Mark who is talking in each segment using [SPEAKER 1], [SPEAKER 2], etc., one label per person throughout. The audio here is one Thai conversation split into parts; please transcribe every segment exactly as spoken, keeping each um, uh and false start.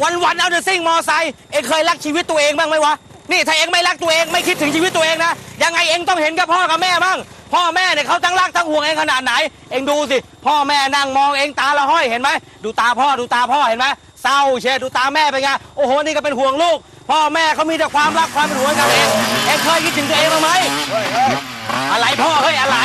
[SPEAKER 1] วันๆเอาแต่ซิ่งมอไซค์เองเคยรักชีวิตตัวเองบ้างไหมวะนี่ถ้าเองไม่รักตัวเองไม่คิดถึงชีวิตตัวเองนะยังไงเองต้องเห็นกับพ่อกับแม่บ้างพ่อแม่เนี่ยเขาทั้งรักทั้งห่วงเองขนาดไหนเองดูสิพ่อแม่นั่งมองเองตาละห้อยเห็นไหมดูตาพ่อดูตาพ่อเห็นไหมเศร้าเชียดูตาแม่เป็นไงโอ้โหนี่ก็เป็นห่วงลูกพ่อแม่เขามีแต่ความรักความเป็นห่วงกันเองเองเคยคิดถึงตัวเองบ้างไหมอะไรพ่อเฮ้ยอะไร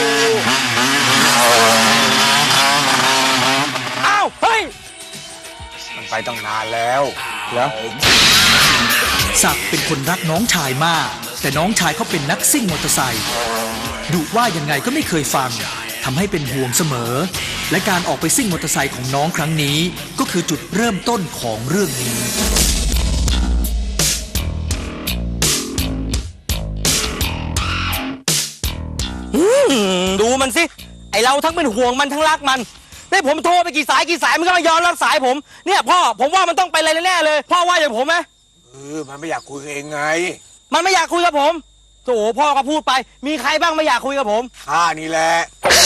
[SPEAKER 1] อ้าวเฮ้ย
[SPEAKER 2] มันไปตั้งนานแล้วเหรอ
[SPEAKER 3] ศักดิ์เป็นคนรักน้องชายมากแต่น้องชายเขาเป็นนักซิ่งมอเตอร์ไซค์ดุว่ายังไงก็ไม่เคยฟังทำให้เป็นห่วงเสมอและการออกไปซิ่งมอเตอร์ไซค์ของน้องครั้งนี้ก็คือจุดเริ่มต้นของเรื่องนี้
[SPEAKER 1] ดูมันสิไอเราทั้งเป็นห่วงมันทั้งรักมันได้ผมโทรไปกี่สายกี่สายมันก็ไม่ยอมรับสายผมเนี่ยพ่อผมว่ามันต้องไปอะไรแน่เลยพ่อว่าอย่างผมไหม
[SPEAKER 2] เออมันไม่อยากคุยกับเองไง
[SPEAKER 1] มันไม่อยากคุยกับผมโถพ่อก็พูดไปมีใครบ้างไม่อยากคุยกับผม
[SPEAKER 2] ข้านี่แหละ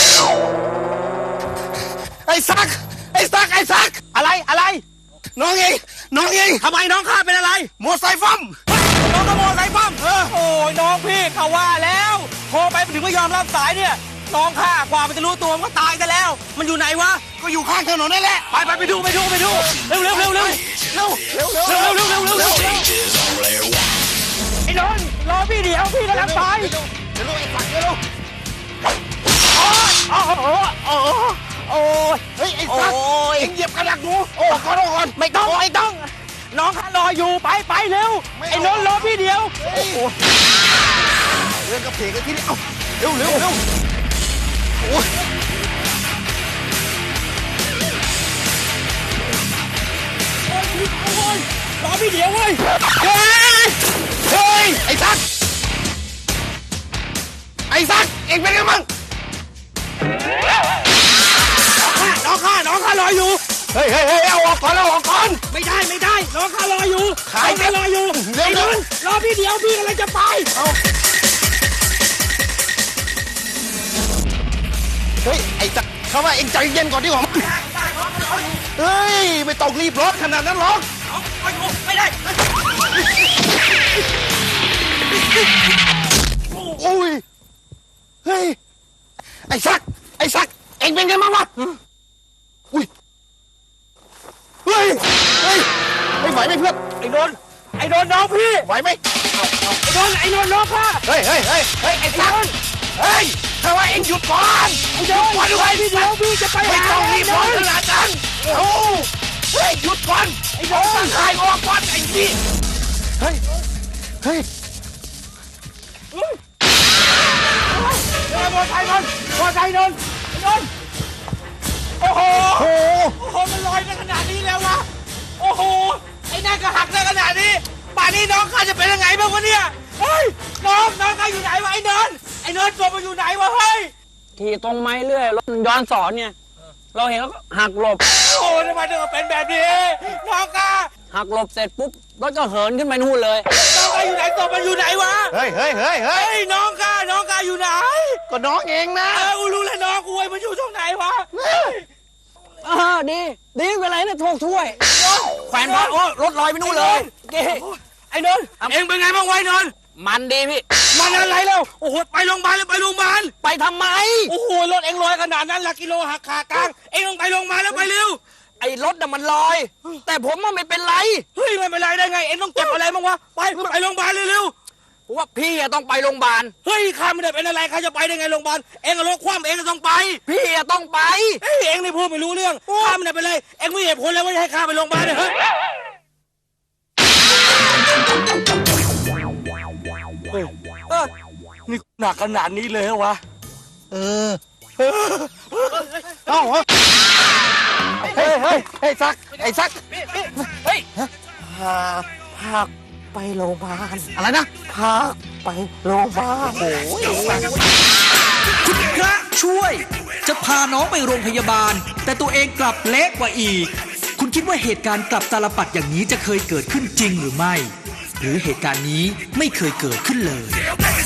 [SPEAKER 2] ไอ้ซักไอ้ซักไอ้ซัก
[SPEAKER 1] อะไรอะไร
[SPEAKER 2] น้องเองน้องเอง
[SPEAKER 1] ทำไมน้องข้าเป็นอะไร
[SPEAKER 2] มอไซค์ฟั่ม
[SPEAKER 1] น้องก็มอไซค์ฟั่มเออโอ้ยน้องพี่เขาว่าแล้วโทรไปถึงไม่ยอมรับสายเนี่ยน้องข้ากว่ามันจะรู้ตัวมันก็ตายกันแล้วมันอยู่ไหนวะ
[SPEAKER 2] ก็อยู่ข้างถนนนั่นแหละ
[SPEAKER 1] ไปไปไปดูไปดูไปดูเร็วเร็วเร็วเร็วเร็วเร็วเร็วเร็วเร็วเร็วเร็วเร็วเร็วไอ้นนท์รอพี่เดี๋ยวพี่กำลังไป
[SPEAKER 2] เดี๋ยวลูกไอ้ฝักเดี๋ยวลูก
[SPEAKER 1] โอ้โหโอ้โหโอ้ย
[SPEAKER 2] เฮ้ยไอ้สัตว์เอ็งเหยียบกระดักหนูโอ้ขอโทษก่อน
[SPEAKER 1] ไม่ต้องไม่ต้องน้องข้ารออยู่ไปไปเร็วไอ้นนท์รอพี่เดียวโอ้โห
[SPEAKER 2] เรื่องกระเพกกันที่นี่เอ้าเร็วเร็วเร็วโอ้ย
[SPEAKER 1] โอ้ยรอพี่เดียวเว้ย
[SPEAKER 2] เฮ้ยเฮ้ยไอ้สัตว์ไอ้สัตว์เอ็งเป็นไงมั่ง
[SPEAKER 1] น้องข้าน้องข้ารออยู่
[SPEAKER 2] เฮ้ยเฮ้ยเฮ้ยเอาออกก่อนเอาออกก่อน
[SPEAKER 1] ไม่ได้ไม่ได้น้องข้ารออยู่
[SPEAKER 2] ขาย
[SPEAKER 1] ข้ารออยู่
[SPEAKER 2] เร็วเร็ว
[SPEAKER 1] รอพี่เดียวพี่กำลังจะไป
[SPEAKER 2] เอาเฮ้ยไอ้สัตว์เขาว่าเอ็งใจเย็นก่อนดีกว่าเฮ้ยไม่ต้องรีบรถขนาดนั้นหรอก
[SPEAKER 1] ไม่ได้
[SPEAKER 2] โอ้ยเฮ้ยไอ้ซักไอ้ซักเอ็งเป็นไงบ้างวะอุ้ยเฮ้ยเฮ้ยไม่ไหวไหมเพื่อน
[SPEAKER 1] ไอ้นนท์ไอ้นนท์น้องพี่
[SPEAKER 2] ไหวไหม
[SPEAKER 1] ไอ้นนท์ไอ้นนท์น้องข้า
[SPEAKER 2] เฮ้ยเฮ้ยเฮ้ยเฮ้ยไอ้ซักเฮ้ยถ้าว่าเอ็งหยุดก่อน
[SPEAKER 1] ไอ้นนท์วันด้วยพี่เดียวพี่จะไป
[SPEAKER 2] ไม่ต้องรีบร้อนขนาดนั้นโอ้เฮ้ยหยุดก่อนไอ้นนท์ขายออกก่อนไอ้พี่เฮ้ยเฮ้ย
[SPEAKER 1] มอไซค์นนท์มอไซค์นนท์นนท์โอ้โหโอ้โหมันลอยได้ขนาดนี้แล้ววะโอ้โหไอ้นั่นก็หักได้ขนาดนี้ป่านนี้น้องข้าจะเป็นยังไงบ้างวะเนี่ยเฮ้ยน้องน้องข้าอยู่ไหนวะไอ้นนท์ไอ้นนท์ตัวมันอยู่ไหนวะเฮ้ย
[SPEAKER 4] ขี่ตรงไม้เรื่อยรถย้อนสอนเนี่ยเราเห็นแล้วก็หักหลบ
[SPEAKER 1] โอ้ทำไมถึงเป็นแบบนี้น้องข้า
[SPEAKER 4] หักหลบเสร็จปุ๊บรถก็เหินขึ้นไปนู่นเลย
[SPEAKER 1] น้องข้าอยู่ไหนตัวมันอยู่ไหนวะ
[SPEAKER 2] เฮ้ยเฮ้ยเฮ้ยเฮ้ย
[SPEAKER 1] น้องข้าน้องข้าอยู่ไหน
[SPEAKER 2] ก็น้องเองนะ
[SPEAKER 1] เออกูรู้แล้วน้องกูไอ้มันอยู่ตรงไหนวะ
[SPEAKER 4] เออดีดีเป็นไรเนี่ยโทษถ้วยแขวนพระโอ้รถลอยไปนู่นเลย
[SPEAKER 1] ไอ้นนท์เอ็งเป็นไงบ้างไว้นนท์
[SPEAKER 4] มันดีพี่
[SPEAKER 1] มันอะไรแล้วโอ้โหไปโรงพยาบาลเลยไปโรงพยาบาล
[SPEAKER 4] ไปทำไม
[SPEAKER 1] โอ้โหรถเอ็งลอยขนาดนั้นหลักกิโลหักขากลางเอ็งต้องไปโรงพยาบาลแล้วไปเร็ว
[SPEAKER 4] ไอ้รถน่ะมันลอยแต่ผมมันไม่เป็นไร
[SPEAKER 1] เฮ้ยไม่เป็นไรได้ไงเอ็งต้องเจ็บอะไรบ้างวะไปไปโรงพยาบาลเร็ว
[SPEAKER 4] ๆผมว่าพี่ต้องไปโรงพยาบาล
[SPEAKER 1] เฮ้ยข้าไม่ได้เป็นอะไรข้าจะไปได้ไงโรงพยาบาลเอ็งรถคว่ำเอ็งต้องไป
[SPEAKER 4] พี่ต้องไป
[SPEAKER 1] เฮ้ยเอ็งนี่พูดไม่รู้เรื่องข้าไม่ได้เป็นไรเอ็งไม่เหตุผลแล้วว่าให้ข้าไปโรงพยาบาลเนี่ยเฮ้ยนี่หนักขนาดนี้เลยเหรอวะ
[SPEAKER 2] เออเอ้าเฮ้ยเฮ้ยไอ้ซักไอ้ซัก
[SPEAKER 1] เฮ้ยพาพาไปโรงพยาบาล
[SPEAKER 2] อะไรนะ
[SPEAKER 1] พาไปโรงพยาบาลโอ้ย
[SPEAKER 3] คุณพระช่วยจะพาน้องไปโรงพยาบาลแต่ตัวเองกลับเละกว่าอีกคุณคิดว่าเหตุการณ์กลับตาลปัดอย่างนี้จะเคยเกิดขึ้นจริงหรือไม่หรือเหตุการณ์นี้ไม่เคยเกิดขึ้นเลย